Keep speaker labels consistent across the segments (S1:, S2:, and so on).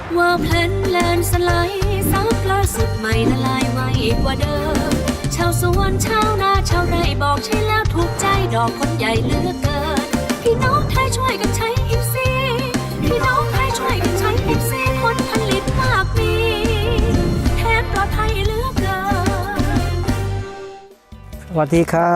S1: ว่าเพลนแลนสไลด์ซับล่าสุดใหม่ละลายไวกว่าเดิมชาวสวนชาวนาชาวไร่บอกใช่แล้วถูกใจดอกคนใหญ่เหลือกเกินพี่น้องไทยช่วยกันใช้อิฟซีพี่น้องไทยช่วยกันใช้อิฟซีผลผลิตมากมีแทนปลอดภัยเหลือกเกิน
S2: สวัสดีครับ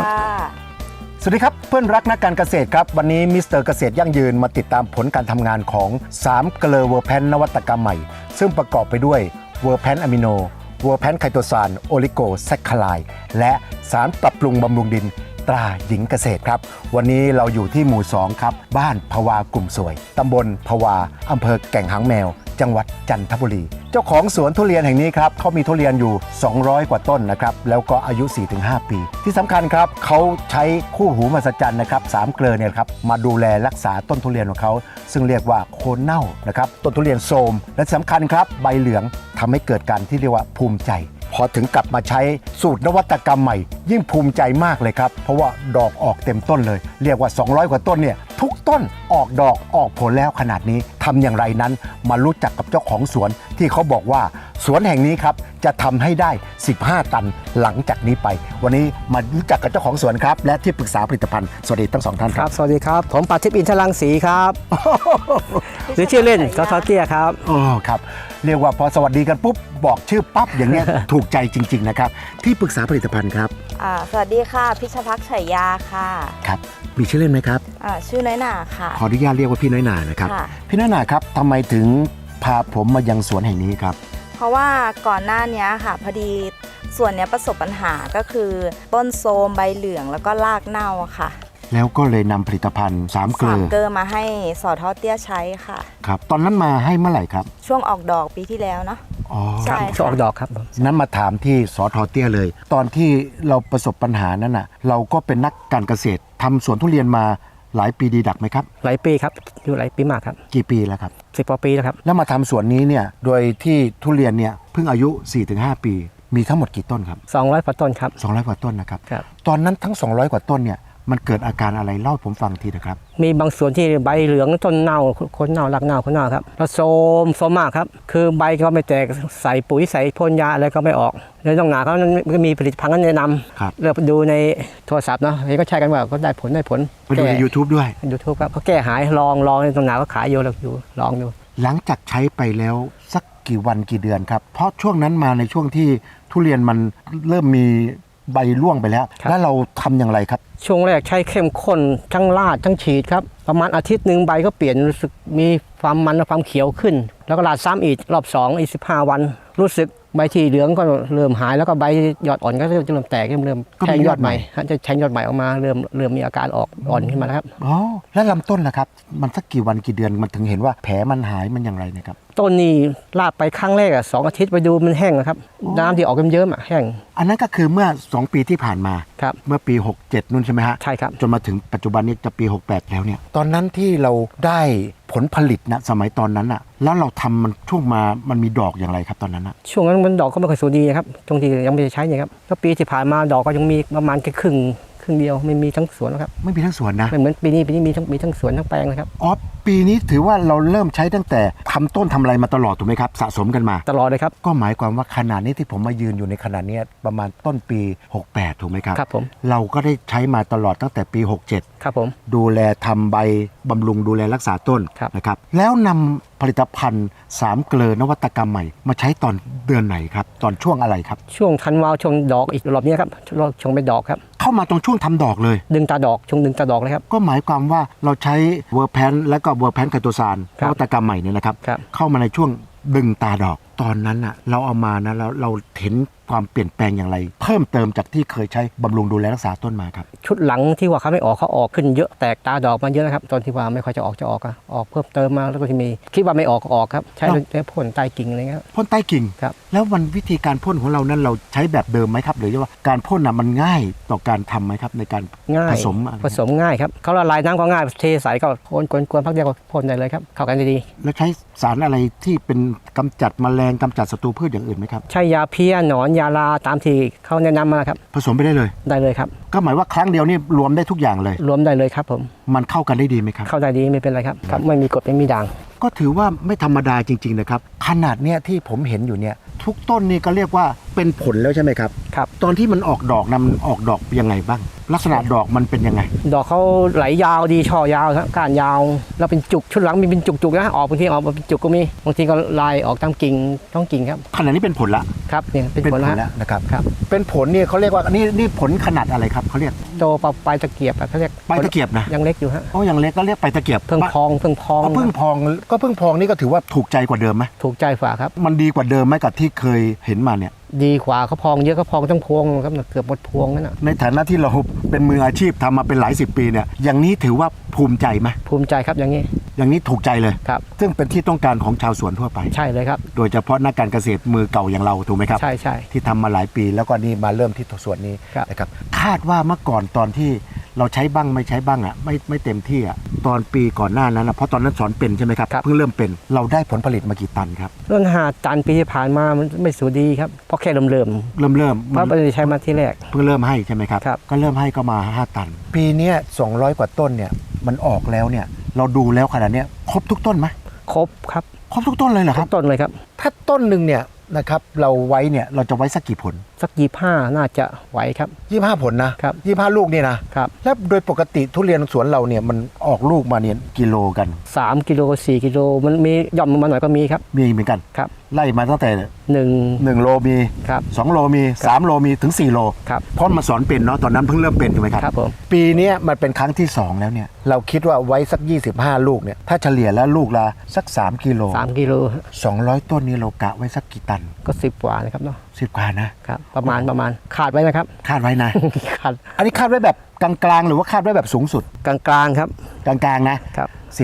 S3: สวัสดีครับเพื่อนรักนักการเกษตรครับวันนี้มิสเตอร์เกษตรยั่งยืนมาติดตามผลการทำงานของ3เกลอเวอร์แพนนวัตกรรมใหม่ซึ่งประกอบไปด้วยเวอร์แพนอะมิโนเวอร์แพนไคโตซานโอลิโกแซคคาไลและสารปรับปรุงบำรุงดินตราหญิงเกษตรครับวันนี้เราอยู่ที่หมู่2ครับบ้านภวากลุ่มสวยตำบลภวาอำเภอแก่งหางแมวจังหวัดจันทบุรีเจ้าของสวนทุเรียนแห่งนี้ครับเขามีทุเรียนอยู่200กว่าต้นนะครับแล้วก็อายุ 4-5 ปีที่สำคัญครับเขาใช้คู่หูมหัศจรรย์นะครับ3เกลอเนี่ยครับมาดูแลรักษาต้นทุเรียนของเขาซึ่งเรียกว่าโคนเน่านะครับต้นทุเรียนโทรมและสำคัญครับใบเหลืองทำให้เกิดการที่เรียกว่าภูมิใจพอถึงกลับมาใช้สูตรนวัตกรรมใหม่ยิ่งภูมิใจมากเลยครับเพราะว่าดอกออกเต็มต้นเลยเรียกว่า200กว่าต้นเนี่ยทุกต้นออกดอกออกผลแล้วขนาดนี้ทำอย่างไรนั้นมารู้จักกับเจ้าของสวนที่เขาบอกว่าสวนแห่งนี้ครับจะทำให้ได้15ตันหลังจากนี้ไปวันนี้มารู้จักกับเจ้าของสวนครับและที่ปรึกษาผลิตภัณฑ์สวัสดีทั้งสองท่านครับ
S2: สวัสดีครับผมปาทิพย์อินทรังสีครับหรือชื่อเล่นสทเตี้ยครับ
S3: อ๋อครับเรียกว่าพอสวัสดีกันปุ๊บบอกชื่อปั๊บอย่างเนี้ย ถูกใจจริงๆนะครับที่ปรึกษาผลิตภัณฑ์ครับ
S4: สวัสดีค่ะพิชภักษ์ชัยยาค่ะ
S3: ครับมีชื่อเล่นไหมครับ
S4: ชื่อน้อยหนาค่ะ
S3: ขออนุญาตเรียกว่าพี่น้อยหนานะครับพี่น้อยหนาครับทำไมถึงพาผมมายังสวนแห่งนี้ครับ
S4: เพราะว่าก่อนหน้านี้ค่ะพอดีส่วนนี้ประสบปัญหาก็คือต้นโทรมใบเหลืองแล้วก็รากเน่าค่ะ
S3: แล้วก็เลยนำผลิตภัณฑ์3เกลอ
S4: มาให้สทเตี้ยใช้ค่ะ
S3: ครับตอนนั้นมาให้เมื่อไหร่ครับ
S4: ช่วงออกดอกปีที่แล้วเนาะ
S3: อ๋อ
S4: ใช่
S2: ช่วงออกดอกครับ
S3: นั้นมาถามที่สทเตี้ยเลยตอนที่เราประสบปัญหานั้นน่ะเราก็เป็นนักการเกษตรทำสวนทุเรียนมาหลายปีดีดักไหมครับ
S2: หลายปีครับอยู่หลายปีมากครับ
S3: กี่ปีแล้วครับ
S2: 10 กว่าปีแล้วครับ
S3: แล้วมาทำสวนนี้เนี่ยโดยที่ทุเรียนเนี่ยเพิ่งอายุ 4-5 ปีมีทั้งหมดกี่ต้นครับ
S2: 200กว่าต้นครับ
S3: 200กว่าต้นนะครับตอนนั้นทั้ง200กว่าต้นเนี่ยมันเกิดอาการอะไรเล่าให้ผมฟังทีนะครับ
S2: มีบางส่วนที่ใบเหลืองต้นเน่าคนเน่ารากเน่าคนเน่าครับแล้วโทรมมากครับคือใบก็ไม่แตกใส่ปุ๋ยใส่พ่นยาอะไรก็ไม่ออกแล้วต้องหนาเขาก็มีผลิตภัณฑ์แนะนำเลือกดูในโทรศัพท์เนาะเห็นก็ใช้กันว่าก็ได้ผล
S3: ไปดูใน YouTube ด้วย
S2: YouTube ครับเขาแก้หายลองในตรงหนาก็ขายอยู่แล้วอยู่ลองดู
S3: หลังจากใช้ไปแล้วสักกี่วันกี่เดือนครับเพราะช่วงนั้นมาในช่วงที่ทุเรียนมันเริ่มมีใบร่วงไปแล้วแล้วเราทำอย่างไรครับ
S2: ช่วงแรกใช้เข้มข้นทั้งลาดทั้งฉีดครับประมาณอาทิตย์หนึ่งใบก็เปลี่ยนรู้สึกมีความมันและความเขียวขึ้นแล้วก็ลาดซ้ำอีกรอบ2อีก15 วันรู้สึกใบที่เหลืองก็เริ่มหายแล้วก็ใบยอดอ่อนก็จะเริ่มแตกเริ่มแทงยอดใหม่จะแทงยอดใหม่ออกมาเริ่มมีอาการออกอ่อนขึ้นมาแล้วครับ
S3: อ๋อแล้วลำต้นล่ะครับมันสักกี่วันกี่เดือนมันถึงเห็นว่าแผลมันหายมันอย่างไรนะครับ
S2: ต้นนี้ลาดไปครั้งแรก2 อาทิตย์ไปดูมันแห้งนะครับน้ำที่ออกเยิ้มๆแห้ง
S3: อันนั้นก็คือเมื่อ2 ปีที่ผ่านมา
S2: ครับ
S3: เมื่อปี67นู่นใช่ไหมฮะ
S2: ใช่ครับ
S3: จนมาถึงปัจจุบันนี้จะปี68แล้วเนี่ยตอนนั้นที่เราได้ผลผลิตนะสมัยตอนนั้นอะแล้วเราทำมันช่วงมามันมีดอกอย่างไรครับตอนนั้นอะ
S2: ช่วงนั้นมันดอกก็ไม่ค่อยสวยดีนะครับตรงที่ยังไม่ได้ใช้เนี่ยครับก็ปีที่ผ่านมาดอกก็ยังมีประมาณแค่ครึ่งเดียวไม่มีทั้งสวนนะครับ
S3: ไม่มีทั้งสวนนะ
S2: ไม่เหมือนปีนี้มีทั้งสวนทั้งแปลงนะครับ
S3: อ๋อปีนี้ถือว่าเราเริ่มใช้ตั้งแต่ทำต้นทำอะไรมาตลอดถูกไหมครับสะสมกันมา
S2: ตลอดเลยครับ
S3: ก็หมายความว่าขนาดนี้ที่ผมมายืนอยู่ในขนาดนี้ประมาณต้นปี68ถูกไหมครับ
S2: ครับผม
S3: เราก็ได้ใช้มาตลอดตั้งแต่ปี67
S2: ครับผม
S3: ดูแลทำใบบำรุงดูแลรักษาต้นนะครับแล้วนำผลิตภัณฑ์3เกลอนวัตกรรมใหม่มาใช้ตอนเดือนไหนครับตอนช่วงอะไรครับ
S2: ช่วงธันวาช่วงดอกอีกรอบนี้ครับช่วงเป็นดอกครับ
S3: เข้ามาตรงช่วงทำดอกเลย
S2: ดึงตาดอกช่วงดึงตาดอกเลยครับ
S3: ก็หมายความว่าเราใช้เวอร์แพนและก็เวอร์แพนไคโตซานนวัตกรรมใหม่เนี่ยนะครับเข้ามาในช่วงดึงตาดอกตอนนั้นอ่ะเราเอามานะเราเห็นความเปลี่ยนแปลงอย่างไรเพิ่มเติมจากที่เคยใช้บำรุงดูแลรักษาต้นมาครับ
S2: ชุดหลังที่ว่าเขาไม่ออกเขาออกขึ้นเยอะแตกตาดอกมาเยอะนะครับตอนที่ว่าไม่ค่อยจะออกออกเพิ่มเติมมาแล้วก็ที่มีคิดว่าไม่ออกครับใช้พ่นใต้กิ่งอะไรเงี้ย
S3: พ่นใต้กิ่ง
S2: ครับ
S3: แล้ววันวิธีการพ่นของเรานั้นเราใช้แบบเดิมไหมครับหรือว่าการพ่นน่ะมันง่ายต่อการทำไหมครับในการผส
S2: มง่ายครับเขาละลายน้ำก็ง่ายเทใส่ก็พ่นกวนพักเดียวก็พ่นได้เลยครับเข้ากันดี
S3: แล้วใช้สารอะไรที่เป็นกำจัดแมลงกำจัดศัตรูพืชอย่างอื่นไหมครับ
S2: ใช้ยาเพี้ยหนอนยาลาตามที่เขาแนะนำมาครับ
S3: ผสมไปได้เลย
S2: ครับ
S3: ก็หมายว่าครั้งเดียวนี่รวมได้ทุกอย่างเลย
S2: รวมได้เลยครับผม
S3: มันเข้ากันได้ดีไหมครับ
S2: เข้าได้ดีไม่เป็นไรครับไม่มีกรดไม่มีด่าง
S3: ก็ถือว่าไม่ธรรมดาจริงๆนะครับขนาดเนี้ยที่ผมเห็นอยู่เนี่ยทุกต้นนี่ก็เรียกว่าเป็นผลแล้วใช่ไหมครับ
S2: ครับ
S3: ตอนที่มันออกดอกนะมันออกดอกยังไงบ้าง ลักษณะดอกมันเป็นยังไง
S2: ดอกเขาไหลยาวดีช่อยาวครับก้านยาวแล้วเป็นจุกชุดหลังมีเป็นจุกๆนะออกบางทีออกมาเป็นจุกก็มีบางทีก็ลายออกตามกิ่งท้องกิ่งครับ
S3: ขนาดนี้เป็นผลละ
S2: ครับเนี่ยเป็นผล
S3: แล้วนะครับ
S2: ครับ
S3: เป็นผลเนี่ยเขาเรียกว่านี่ผลขนาดอะไรครับเขาเรียก
S2: โตปลายตะเกียบอะเขาเรียก
S3: ใบตะเกียบนะ
S2: ยังเล็กอยู่ฮะ
S3: โอ้ยังเล็กก็เรียกใบตะเกียบ
S2: เพิ่งพอง
S3: อ๋อเพิ่งพองนี่ก็ถือว่าถูกใจกว่าเดิมไหม
S2: ถูกใจฝ่าครับ
S3: มันดีกว่าเดิมไหมกับที่เคยเห็นมาเนี่ย
S2: ดีกว่าเขาพองเยอะเขาพองทั้งพวงครับเกือบหมดพวงนั่นนะ
S3: ในฐานะที่เราเป็นมืออาชีพทำมาเป็นหลายสิบปีเนี่ยอย่างนี้ถือว่าภูมิใจไหม
S2: ภูมิใจครับอย่างนี้
S3: อย่างนี้ถูกใจเลย
S2: ครับ
S3: ซึ่งเป็นที่ต้องการของชาวสวนทั่วไป
S2: ใช่เลยครับ
S3: โดยเฉพาะนักการเกษตรมือเก่าอย่างเราถูกไหมครับ
S2: ใช่ใช่
S3: ที่ทำมาหลายปีแล้วก็นี่มาเริ่มที่สวนนี้
S2: ครับ
S3: นะครับคาดว่าเมื่อก่อนตอนที่เราใช้บ้างไม่ใช้บ้างอ่ะไม่เต็มที่อ่ะตอนปีก่อนหน้านั้นนะเพราะตอนนั้นสอนเป็นใช่ไหมครับเพิ่งเริ่มเป็นเราได้ผลผลิตมากี่ตันครับ
S2: เรื่อง5 ตันปีที่ผ่านมามันไม่สูดีครับเพราะแค่เริ่ม
S3: เริ่ม
S2: เพราะไม่ได้ใช้มาที่แรก
S3: เพิ่งเริ่มให้ใช่ไหมครับ
S2: ครับ
S3: ก็เริ่มให้ก็มา5ตัน ปีเนี้ย200 กว่าต้นเนี่ยมันออกแล้วเนี่ยเราดูแล้วขนาดเนี้ยครบทุกต้นไหม
S2: ครบครับ
S3: ครบทุกต้นเลยเหรอค
S2: ทุ
S3: รับ
S2: กต้นเลยครับ
S3: ถ้าต้นหนึ่งเนี่ยนะครับเราไว้เนี่ยเราจะไว้สักกี่ผล
S2: สัก25น่าจะไหวครับ
S3: 25 ผลนะครับ 25 ลูกนี่นะครับ แล้วโดยปกติทุเรียนสวนเราเนี่ยมันออกลูกมาเนี่ยกิโลกัน
S2: 3 กิโล4 กิโลมันมีย่อมลงมาหน่อยก็มีครับ
S3: มีเหมือนกัน
S2: ครับ
S3: ไล่มาตั้งแต่
S2: 1
S3: 1 โลมี
S2: ครับ
S3: 2 โลมี3 โลมีถึง 4 โล
S2: ครับ
S3: เพราะมาสอนเป็นเนาะตอนนั้นเพิ่งเริ่มเป็นถูกไหมครับ
S2: ครับผม
S3: ปีเนี้ยมันเป็นครั้งที่ 2 แล้วเนี่ยเราคิดว่าไว้สัก 25 ลูกเนี่ยถ้าเฉลี่ยแล้วลูกละสัก 3 กิโล
S2: 3 กิโล
S3: 200 ต้นนี้เรากะไว้สักกี่ตัน
S2: ก็10 กว่านะครับเนาะ
S3: 10 กว่านะครับ
S2: ประมาณขาดไว้นะครับ
S3: คาดไว้นะ
S2: ขาด
S3: อันนี้คาดไว้แบบกลางๆ หรือว่าคาดไว้แบบสูงสุด
S2: กลางๆครับ
S3: กลางๆนะครับ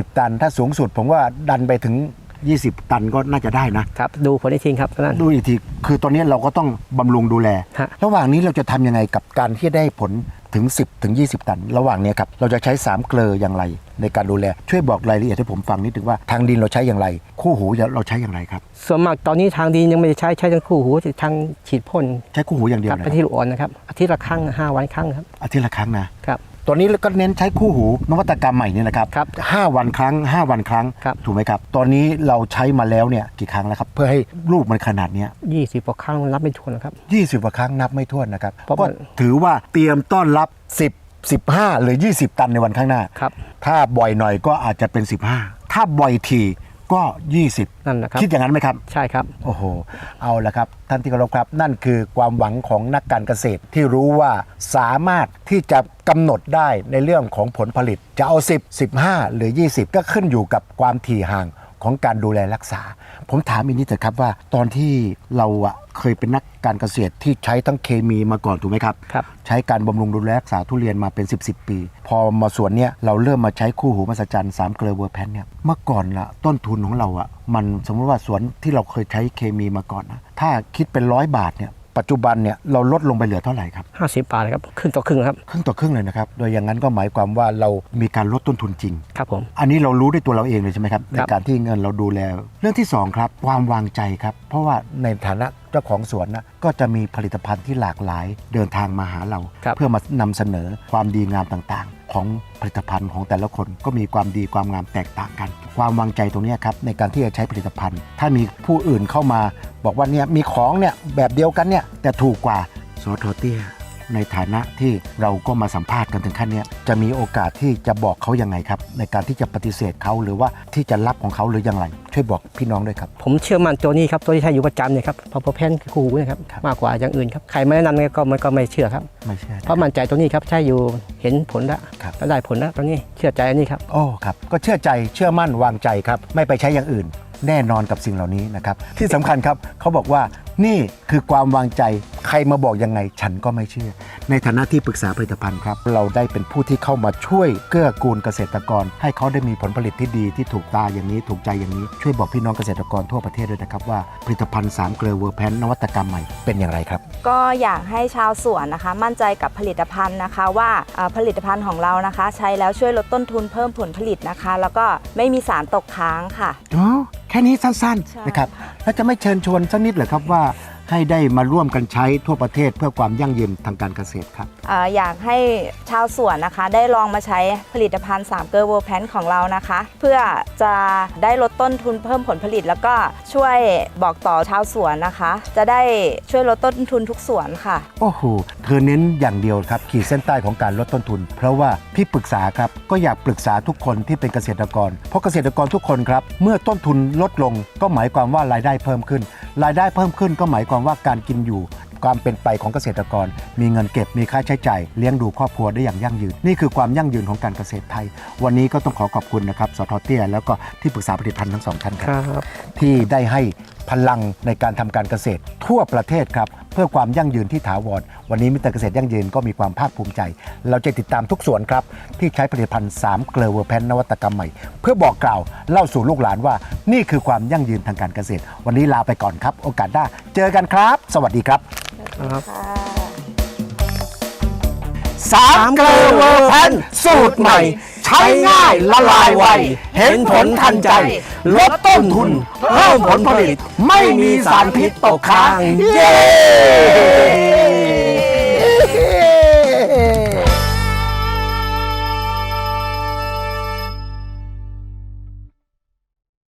S3: 10 ตันถ้าสูงสุดผมว่าดันไปถึง 20 ตันก็น่าจะได้นะครับ
S2: ดูผลอีกทีครับตอนนั้น
S3: ดูอีกทีคือตอนนี้เราก็ต้องบำรุงดูแล
S2: ฮะ
S3: ระหว่างนี้เราจะทำยังไงกับการที่ได้ผลถึง 10 ถึง 20 ตัน ระหว่างเนี้ยครับเราจะใช้3เกลออย่างไรในการดูแลช่วยบอกรายละเอียดให้ผมฟังนิดนึงว่าทางดินเราใช้อย่างไร คู่หูเราใช้อย่างไรครับ
S2: ส่วนมากตอนนี้ทางดินยังไม่ได้ใช้ทั้งคู่หูทางฉีดพ่น
S3: ใช้คู่หูอย่างเดียว
S2: กับ
S3: นะ
S2: ไปที่ลูกอ่อนนะครับอาทิตย์ละครั้ง5 วันครั้งครับ
S3: อาทิตย์ละครั้งนะ
S2: ครับ
S3: ตอนนี้ก็เน้นใช้คู่หูนวัตกรรมใหม่นี่นะครับ
S2: ครับ
S3: 5 วันครั้ง 5 วันครั้ง
S2: ครับ
S3: ถูกไหมครับ ตอนนี้เราใช้มาแล้วเนี่ยกี่ครั้งแล้วครับ เพื่อให้ลูกมันขนาดเนี้ย
S2: 20 กว่าครั้งรับไม่ถ้วนนะครับ
S3: 20 กว่าครั้งนับไม่ถ้วนนะครับ
S2: เพราะ
S3: ก็
S2: มัน
S3: ถือว่าเตรียมต้อนรับ 10 15 หรือ 20 ตันในวันข้างหน้า
S2: ครับ
S3: ถ้าบ่อยหน่อยก็อาจจะเป็น 15 ถ้าบ่อยทีก็ 20
S2: นั่นนะครับ
S3: คิดอย่างนั้นไหมครับ
S2: ใช่ครับ
S3: โอ้โห เอาละครับ ท่านที่เคารพครับ นั่นคือความหวังของนักการเกษตรที่รู้ว่าสามารถที่จะกำหนดได้ในเรื่องของผลผลิต จะเอา 10 15 หรือ 20 ก็ขึ้นอยู่กับความถี่ห่างของการดูแลรักษา ผมถามอีกนิดเถอะครับว่าตอนที่เราเคยเป็นนักการเกษตรที่ใช้ทั้งเคมีมาก่อนถูกไหมครับ
S2: ครับ
S3: ใช้การบำรุงดูแลรักษาทุเรียนมาเป็น 10 ปี พอมาสวนเนี้ยเราเริ่มมาใช้คู่หูมหัศจรรย์3เกลอเวอร์แพนเนี่ยเมื่อก่อนละต้นทุนของเรามันสมมติว่าสวนที่เราเคยใช้เคมีมาก่อนนะถ้าคิดเป็น100 บาทเนี่ยปัจจุบันเนี่ยเราลดลงไปเหลือเท่าไหร่ครับ
S2: 50 บาทนะครับครึ่งต่อครึ่งครับ
S3: ครึ่งต่อครึ่งเลยนะครับโดยอย่างนั้นก็หมายความว่าเรามีการลดต้นทุนจริง
S2: ครับผม
S3: อันนี้เรารู้ด้วยตัวเราเองเลยใช่ไหมครับใน
S2: ครับ
S3: การที่เงินเราดูแลเรื่องที่สองครับความวางใจครับเพราะว่าในฐานะเจ้าของสวนนะก็จะมีผลิตภัณฑ์ที่หลากหลายเดินทางมาหาเรา
S2: ครับ
S3: เพื่อมานำเสนอความดีงามต่างๆ ของผลิตภัณฑ์ของแต่ละคนก็มีความดีความงามแตกต่างกัน ความวางใจตรงเนี้ยครับในการที่จะใช้ผลิตภัณฑ์ ถ้ามีผู้อื่นเข้ามาบอกว่าเนี่ยมีของเนี่ยแบบเดียวกันเนี่ยแต่ถูกกว่าสทเตี้ยในฐานะที่เราก็มาสัมภาษณ์กันถึงขั้นเนี้ยจะมีโอกาสที่จะบอกเขายังไงครับในการที่จะปฏิเสธเขาหรือว่าที่จะรับของเขาหรือยังไรช่วยบอกพี่น้องด้วยครับ
S2: ผมเชื่อมั่นตัวนี้ครับตัวที่ใช้อยู่ประจำเนี่ยครับพอแพนคือคู่หูนะครับ
S3: ครับ
S2: มากกว่าอย่างอื่นครับใครไม่แนะนำก็ไม่เชื่อครับ
S3: ไม่ใช่
S2: เพราะมั่นใจตัวนี้ครับใช้อยู่เห็นผลแล้ว
S3: ครับ
S2: แล้วได้ผลแล้วตอนนี้เชื่อใจอันนี้ครับ
S3: โอ้ครับก็เชื่อใจเชื่อมั่นวางใจครับไม่ไปใช้อย่างอื่น แน่นอนกับสิ่งเหล่านี้นะครับที่สำคัญครับเขาบอกว่านี่คือความวางใจใครมาบอกยังไงฉันก็ไม่เชื่อ ในฐานะที่ปรึกษาผลิตภัณฑ์ครับเราได้เป็นผู้ที่เข้ามาช่วยเกื้อกูลเกษตรกร ให้เขาได้มีผลผลิตที่ดีที่ถูกตาอย่างนี้ถูกใจอย่างนี้ช่วยบอกพี่น้องเกษตรกรทั่วประเทศด้วยนะครับว่าผลิตภัณฑ์3เกลอเวอร์แพนนวัตกรรมใหม่เป็นอย่างไรครับ
S4: ก็อยากให้ชาวสวนนะคะ มั่นใจกับผลิตภัณฑ์นะคะว่าผลิตภัณฑ์ของเรานะคะ ใช้แล้วช่วยลดต้นทุนเพิ่มผลผลิตนะคะ แล้วก็ไม่มีสารตกค้างค่ะ
S3: อ๋อแค่นี้สั้น
S4: ใช่
S3: ๆนะครับแล้วจะไม่เชิญชวนสักนิดเหรอครับว่าให้ได้มาร่วมกันใช้ทั่วประเทศเพื่อความยั่งยืนทางการเกษตรครับ
S4: อยากให้ชาวสวนนะคะได้ลองมาใช้ผลิตภัณฑ์3เกอร์เวอร์แพนของเรานะคะ เพื่อจะได้ลดต้นทุนเพิ่มผลผลิต แล้วก็ช่วยบอกต่อชาวสวนนะคะ จะได้ช่วยลดต้นทุนทุกสวนค่ะ
S3: โอ้โห เธอเน้นอย่างเดียวครับขีดเส้นใต้ของการลดต้นทุน เพราะว่าพี่ปรึกษาครับก็อยากปรึกษาทุกคนที่เป็นเกษตรกร เพราะเกษตรกรทุกคนครับเมื่อต้นทุนลดลงก็หมายความว่ารายได้เพิ่มขึ้น รายได้เพิ่มขึ้นก็หมายความว่าการกินอยู่ความเป็นไปของเกษตรกร มีเงินเก็บมีค่าใช้จ่ายเลี้ยงดูครอบครัวได้อย่างยั่งยืนนี่คือความยั่งยืนของการเกษตรไทย วันนี้ก็ต้องขอบคุณนะครับสท.เตี้ยแล้วก็ที่ปรึกษาผลิตภัณฑ์ทั้งสองท่านครับที่ได้ให้พลังในการทำการเกษตรทั่วประเทศครับเพื่อความยั่งยืนที่ถาวรวันนี้มิสเตอร์เกษตรยั่งยืนก็มีความภาคภูมิใจเราจะติดตามทุกส่วนครับที่ใช้ผลิตภัณฑ์3เกลือเวอร์แพนนวัตกรรมใหม่เพื่อบอกกล่าวเล่าสู่ลูกหลานว่านี่คือความยั่งยืนทางการเกษตรวันนี้ลาไปก่อนครับโอกาสหน้าเจอกันครับสวัสดีครับ3เกลือเวอร์แพนสูตรใหม่ใช้ง่ายละลายไวเห็นผลทันใจลดต้นทุนเพิ่มผลผลิตไม่มีสารพิษตกค้างเย้